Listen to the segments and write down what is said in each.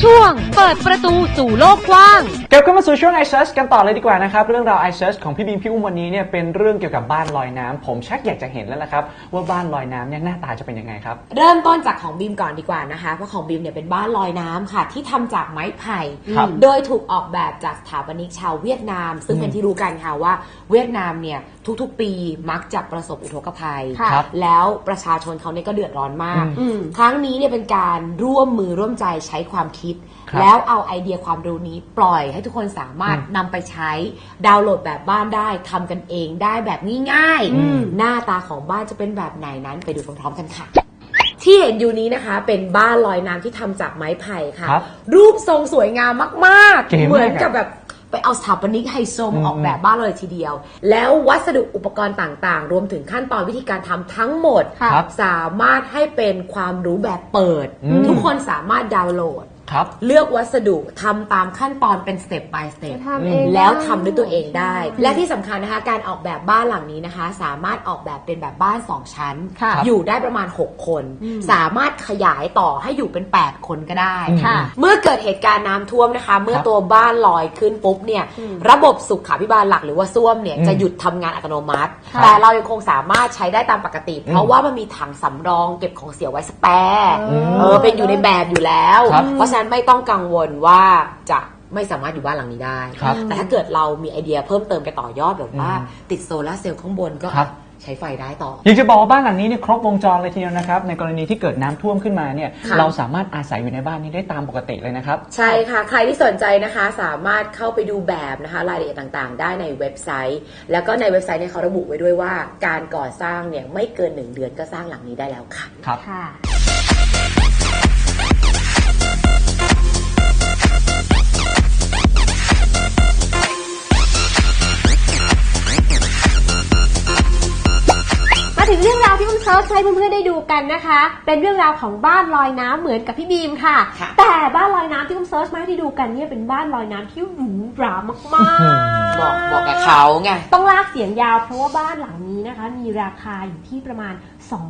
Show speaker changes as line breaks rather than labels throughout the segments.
ช่วงเปิดประตูสู่โลกกว้าง
กลับเข้ามาสู่ช่วง iSearch กันต่อเลยดีกว่านะครับเรื่องราว iSearch ของพี่บีมพี่อุ้มวันนี้เนี่ยเป็นเรื่องเกี่ยวกับบ้านลอยน้ำผมชักอยากจะเห็นแล้วละครับว่าบ้านลอยน้ำเนี่ยหน้าตาจะเป็นยังไงครับ
เริ่มต้นจากของบีมก่อนดีกว่านะคะเพราะของบีมเนี่ยเป็นบ้านลอยน้ำค่ะที่ทำจากไม้ไผ่โดยถูกออกแบบจากสถาปนิกชาวเวียดนามซึ่งเป็นที่รู้กันค่ะว่าเวียดนามเนี่ยทุกๆปีมักจะประสบอุทกภัยแล้วประชาชนเขาเนี่ยก็เดือดร้อนมากครั้งนี้เนี่ยเป็นการร่วมมือร่วมใจใช้ความคิดแล้วเอาไอเดียความรู้นี้ปล่อยให้ทุกคนสามารถนำไปใช้ดาวน์โหลดแบบบ้านได้ทำกันเองได้แบบง่ายๆหน้าตาของบ้านจะเป็นแบบไหนนั้นไปดูพร้อมๆกันค่ะที่เห็นอยู่นี้นะคะเป็นบ้านลอยน้ำที่ทำจากไม้ไผ่ค่ะรูปทรงสวยงามมากๆเหมือนกับแบบไปเอาสถาปนิกไฮโซมาออกแบบบ้านเลยทีเดียวแล้ววัสดุอุปกรณ์ต่างๆรวมถึงขั้นตอนวิธีการทำทั้งหมดสามารถให้เป็นความรู้แบบเปิดทุกคนสามารถดาวน์โหลดเลือกวัสดุทำตามขั้นตอนเป็นสเต็ป by สเต็ปแล้วทำด้วยตัวเองได้และที่สำคัญนะคะการออกแบบบ้านหลังนี้นะคะสามารถออกแบบเป็นแบบบ้าน2ชั้นอยู่ได้ประมาณ6คนสามารถขยายต่อให้อยู่เป็น8คนก็ได้เมื่อเกิดเหตุการณ์น้ำท่วมนะคะเมื่อตัวบ้านลอยขึ้นปุ๊บเนี่ยระบบสุขาภิบาลหลักหรือว่าส้วมเนี่ยจะหยุดทำงานอัตโนมัติแต่เรายังคงสามารถใช้ได้ตามปกติเพราะว่ามันมีถังสำรองเก็บของเสียไว้สแปร์เป็นอยู่ในแบบอยู่แล้วเพราะฉะนั้นไม่ต้องกังวลว่าจะไม่สามารถอยู่บ้านหลังนี้ได้แต่ถ้าเกิดเรามีไอเดียเพิ่มเติมไปต่อยอดแบบว่าติดโซลาร์เซลล์ข้างบนก็ใช้ไฟได้ต่อ
อยากจะบอกว่าบ้านหลังนี้เนี่ยครบวงจรเลยทีเดียวนะครับในกรณีที่เกิดน้ำท่วมขึ้นมาเนี่ยเราสามารถอาศัยอยู่ในบ้านนี้ได้ตามปกติเลยนะครับ
ใช่ค่ะใครที่สนใจนะคะสามารถเข้าไปดูแบบนะคะรายละเอียดต่างๆได้ในเว็บไซต์แล้วก็ในเว็บไซต์เนี่ยเขาระบุไว้ด้วยว่าการก่อสร้างเนี่ยไม่เกิน1 เดือนก็สร้างหลังนี้ได้แล้วค่ะ
ครับ
ถึงเรื่องราวที่อุ้มเซิร์ชให้เพื่อนๆได้ดูกันนะคะเป็นเรื่องราวของบ้านลอยน้ำเหมือนกับพี่บีมค่ะแต่บ้านลอยน้ำที่อุ้มเซิร์ชมาให้ได้ดูกันเนี่ยเป็นบ้านลอยน้ำที่หรูหรามาก
ๆบอกกับเขาไง
ต้องลากเสียงยาวเพราะว่าบ้านหลังนี้นะคะมีราคาอยู่ที่ประมาณ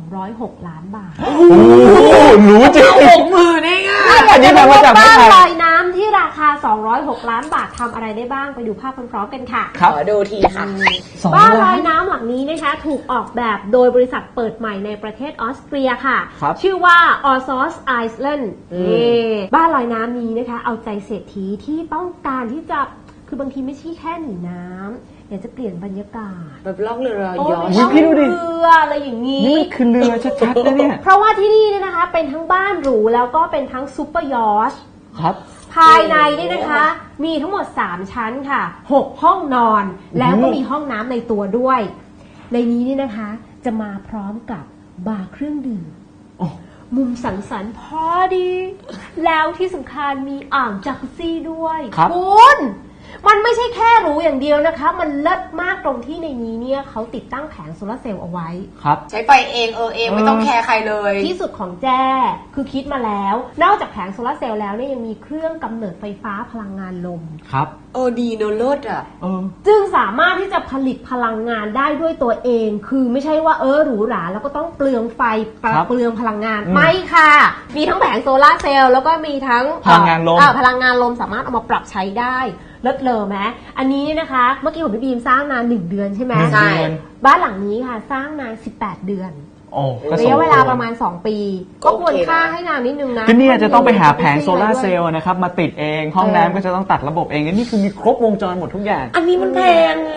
206 ล้านบาท
โอ้โหรู้จริง
60,000เองอ่ะ
อันนี้มาจากบ้านลอยน้ำที่ราคา206 ล้านบาททำอะไรได้บ้างไปดูภาพพร้อมๆกันค่ะ
ขอดูทีค่ะ
บ้านลอยน้ำหลังนี้นะคะถูกออกแบบโดยบริษัทเปิดใหม่ในประเทศออสเตรียค่ะชื่อว่า Orsos Island บ้านลอยน้ำนี้นะคะเอาใจเศรษฐีที่ต้องการที่จะคือบางทีไม่ใช่แค่หนีน้ำอยากจะเปลี่ยนบรรยากาศ
แบบล่องเรือยอช
ต์เรืออะไรอย่างนี้
นี่คือเรือชัดๆนะเนี่ย
เพราะว่าที่นี่เนี่ยนะคะเป็นทั้งบ้านหรูแล้วก็เป็นทั้งซูเปอร์ยอชต์ภายในนี่นะคะมีทั้งหมด3ชั้นค่ะ6ห้องนอนแล้วก็มีห้องน้ำในตัวด้วยในนี้นี่นะคะจะมาพร้อมกับบาร์เครื่องดื่มมุมสังสรรค์พอดีแล้วที่สำคัญมีอ่างจักรุซี่ด้วยคุณมันไม่ใช่แค่หรูอย่างเดียวนะคะมันเลิศมากตรงที่ในนี้เนี่ยเขาติดตั้งแผงโซลาร์เซลล์เอาไว้
ใช้ไฟเองไม่ต้องแคร์ใครเลย
ที่สุดของแจ้คือคิดมาแล้วนอกจากแผงโซลาร์เซลล์แล้วเนี่ยยังมีเครื่องกำเนิดไฟฟ้าพลังงานลม
ดีเนอะเลิศอ่ะ
จึงสามารถที่จะผลิตพลังงานได้ด้วยตัวเองคือไม่ใช่ว่าหรูหราแล้วก็ต้องเปลืองไฟเปลืองพลังงานไม่ค่ะมีทั้งแผงโซลาร์เซลล์แล้วก็มีทั้ง
พลังงานลม
สามารถเอามาปรับใช้ได้เลิศเลอไหมอันนี้นะคะเมื่อกี้ผมพี่บีมสร้างนาน1 เดือนใช่ไหม
ใช่
บ้านหลังนี้ค่ะสร้างนาน18 เดือนระยะเวลาประมาณ2 ปีก็ควรค่าให้นานนิดนึงนะ
ที่นี่จะต้องไปหาแผงโซลาร์เซลล์นะครับมาติดเองห้องน้ำก็จะต้องตัดระบบเองนี่คือมีครบวงจรหมดทุกอย่าง
อันนี้มันแพงไง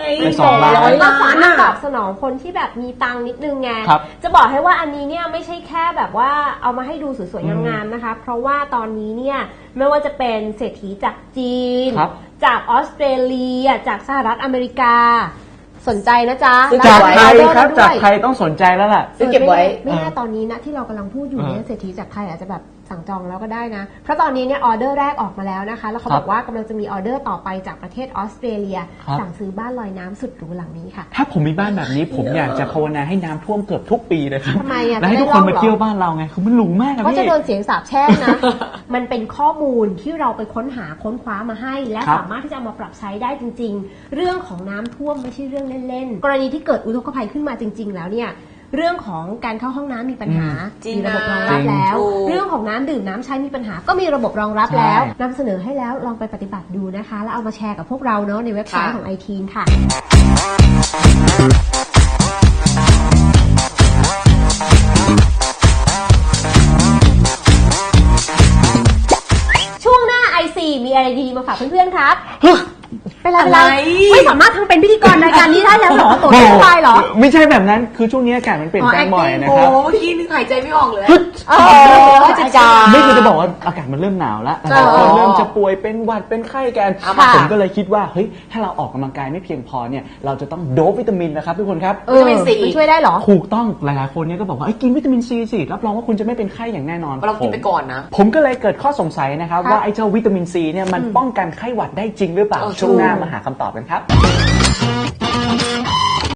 200 ล้านตอบสนองคนที่แบบมีตังนิดนึงไงจะบอกให้ว่าอันนี้เนี่ยไม่ใช่แค่แบบว่าเอามาให้ดูสวยๆงามๆนะคะเพราะว่าตอนนี้เนี่ยไม่ว่าจะเป็นเศรษฐีจากจีนจากออสเตรเลียจากสหรัฐอเมริกาสนใจนะจ๊ะ
จากไทยครับจากไทยต้องสนใจแล้วล่ะ
ซื้อเก็บไว้
ไม่แน่ตอนนี้นะที่เรากำลังพูดอยู่เนี่ยเศรษฐีจากไทยอาจจะแบบสั่งจองแล้วก็ได้นะเพราะตอนนี้เนี่ยออเดอร์แรกออกมาแล้วนะคะแล้วเขาบอกว่ากำลังจะมีออเดอร์ต่อไปจากประเทศออสเตรเลียสั่งซื้อบ้านลอยน้ำสุดหรูหลังนี้ค่ะ
ถ้าผมมีบ้านแบบนี้ผมอยากจะภาวนาให้น้ำท่วมเกือบทุกปีเลยครับ
ทำไม
แล้วให้ทุกคนมาเที่ยวบ้านเราไงคือมันหรูมาก
เพราะจะโดนเสียงสาปแช่งนะมันเป็นข้อมูลที่เราไปค้นคว้ามาให้และสามารถที่จะเอามาปรับใช้ได้จริงๆเรื่องของน้ำท่วมไม่ใช่เรื่องเล่นๆกรณีที่เกิดอุทกภัยขึ้นมาจริงๆแล้วเนี่ยเรื่องของการเข้าห้องน้ำมีปัญหา
จริง
มีระบบรองรับ
จริง
แล้ว
ถูก
เรื่องของน้ำดื่มน้ำใช้มีปัญหาก็มีระบบรองรับ
ใช่
แล้วนำเสนอให้แล้วลองไปปฏิบัติดูนะคะ แล้วเอามาแชร์กับพวกเราเนาะในเว็บไซต์ของ iTeen ค่ะ ช่วงหน้า IC มีอะไรดีมาฝากเพื่อนๆครับเป็นอะไรไม่สามารถทำเป็นพิธีกรรายการนี้ได้แล้วเหรอตัวไม่สบายเหรอ
ไม่ใช่แบบนั้นคือช่วงนี้อากาศมันเปลี่ยนแปลงบ่อยนะ
โอ้
ครับ
เมื่อกี้นึกหายใจไม่ออกเลย
จะจา
ไม่คือจะบอกว่าอากาศมันเริ่มหนาวแล้วหลายคนเริ่มจะป่วยเป็นหวัดเป็นไข้กัน
ค่ะ
ผมก็เลยคิดว่าเฮ้ยถ้าเราออกกำลังกายไม่เพียงพอเนี่ยเราจะต้องโดบวิตามินนะครับทุกคนครับ
วิตามินซี
มันช่วยได้เหรอ
ถูกต้องหลายๆคนเนี่ยก็บอกว่ากินวิตามินซีสิรับรองว่าคุณจะไม่เป็นไข้อย่างแน่นอน
เรากินไปก่อนนะ
ผมก็เลยเกิดข้อสงสัยนะครับ
ครับ
ว่าไอ้เจ้าวิตามินซีเนี่ยมันป้องกันไข้หวัดได้จริงหรือเปล่า
เออ
ช่วงหน้า
ถูก
มาหาคำตอบกันครับ